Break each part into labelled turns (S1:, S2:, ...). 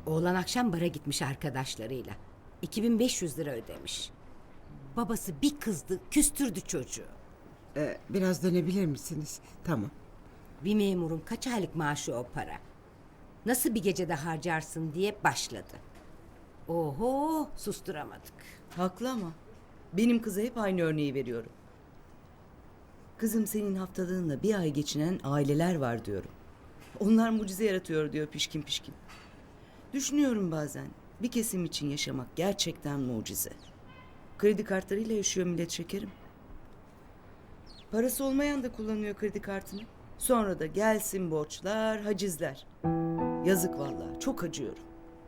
S1: Oğlan akşam bara gitmiş arkadaşlarıyla. 2500 lira ödemiş. Babası bir kızdı, küstürdü çocuğu.
S2: Biraz dönebilir misiniz? Tamam.
S1: Bir memurun kaç aylık maaşı o para? Nasıl bir gecede harcarsın diye başladı. Oho, susturamadık.
S3: Haklı ama benim kıza hep aynı örneği veriyorum. Kızım senin haftalığınla bir ay geçinen aileler var diyorum. Onlar mucize yaratıyor diyor pişkin pişkin. Düşünüyorum bazen bir kesim için yaşamak gerçekten mucize. Kredi kartlarıyla yaşıyor millet şekerim. Parası olmayan da kullanıyor kredi kartını. Sonra da gelsin borçlar, hacizler. Yazık vallahi, çok acıyorum.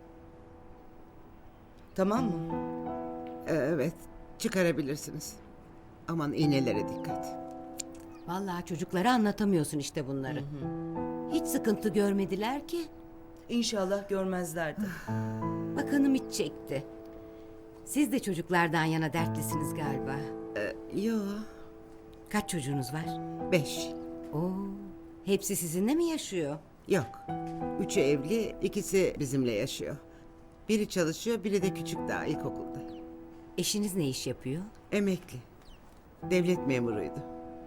S3: Tamam mı?
S2: Evet, çıkarabilirsiniz. Aman iğnelere dikkat.
S1: Vallahi çocuklara anlatamıyorsun işte bunları. Hiç sıkıntı görmediler ki.
S3: İnşallah görmezlerdi.
S1: Bakanım hiç çekti. Siz de çocuklardan yana dertlisiniz galiba.
S2: Yo,
S1: Kaç çocuğunuz var?
S2: 5.
S1: Oo, hepsi sizinle mi yaşıyor?
S2: Yok. 3'ü evli, ikisi bizimle yaşıyor. Biri çalışıyor, biri de küçük daha ilkokulda.
S1: Eşiniz ne iş yapıyor?
S2: Emekli. Devlet memuruydu.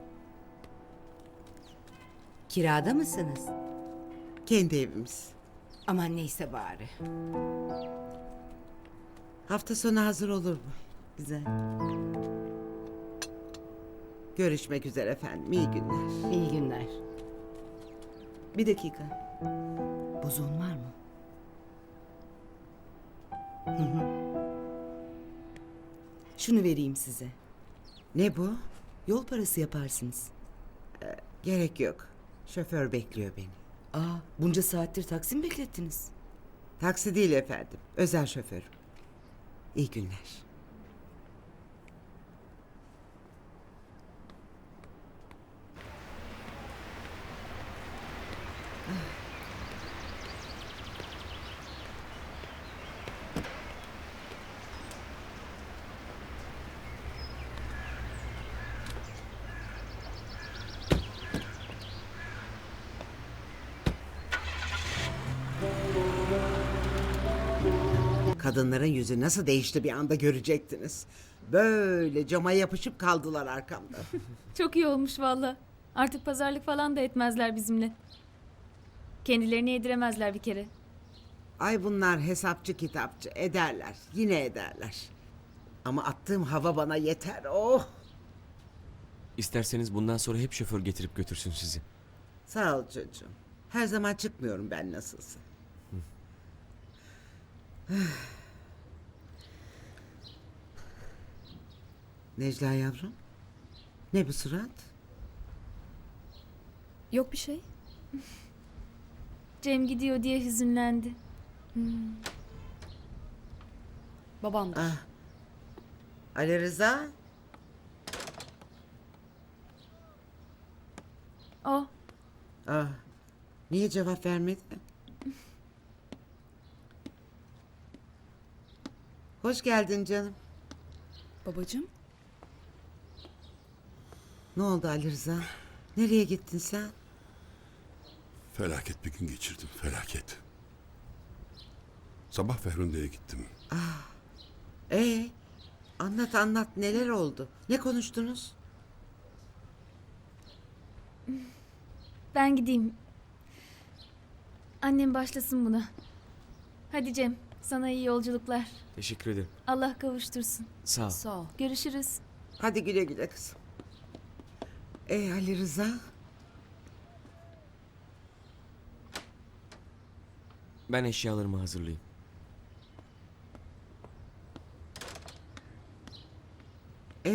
S1: Kirada mısınız?
S2: Kendi evimiz.
S1: Aman neyse bari.
S2: Hafta sonu hazır olur mu?
S3: Güzel.
S2: Görüşmek üzere efendim. İyi günler.
S1: İyi günler.
S3: Bir dakika. Bozon var mı? Şunu vereyim size.
S2: Ne bu?
S3: Yol parası yaparsınız.
S2: Gerek yok. Şoför bekliyor beni.
S3: Aa, bunca saattir taksi mi beklettiniz?
S2: Taksi değil efendim. Özel şoförüm. İyi günler. Kadınların yüzü nasıl değişti bir anda görecektiniz. Böyle cama yapışıp kaldılar arkamda.
S4: Çok iyi olmuş valla. Artık pazarlık falan da etmezler bizimle. Kendilerini yediremezler bir kere.
S2: Ay bunlar hesapçı kitapçı ederler. Yine ederler. Ama attığım hava bana yeter. Oh!
S5: İsterseniz bundan sonra hep şoför getirip götürsün sizi.
S2: Sağ ol çocuğum. Her zaman çıkmıyorum ben nasılsa. Necla yavrum. Ne bu surat?
S4: Yok bir şey. Cem gidiyor diye hüzünlendi.
S6: Babamdır.
S2: Ah. Ali Rıza.
S4: O
S2: Ah. Niye cevap vermedi? Hoş geldin canım.
S6: Babacığım.
S2: Ne oldu Ali Rıza? Nereye gittin sen?
S7: Felaket bir gün geçirdim, felaket. Sabah Ferhunde'ye gittim.
S2: Anlat anlat neler oldu? Ne konuştunuz?
S4: ben gideyim. Annem başlasın buna. Hadi Cem, sana iyi yolculuklar.
S5: Teşekkür ederim.
S4: Allah kavuştursun.
S5: Sağ ol.
S6: Sağ ol.
S4: Görüşürüz.
S2: Hadi güle güle kızım. Ali Rıza?
S5: Ben eşyalarımı hazırlayayım.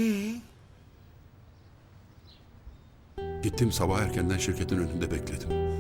S7: Gittim sabah erkenden şirketin önünde bekledim.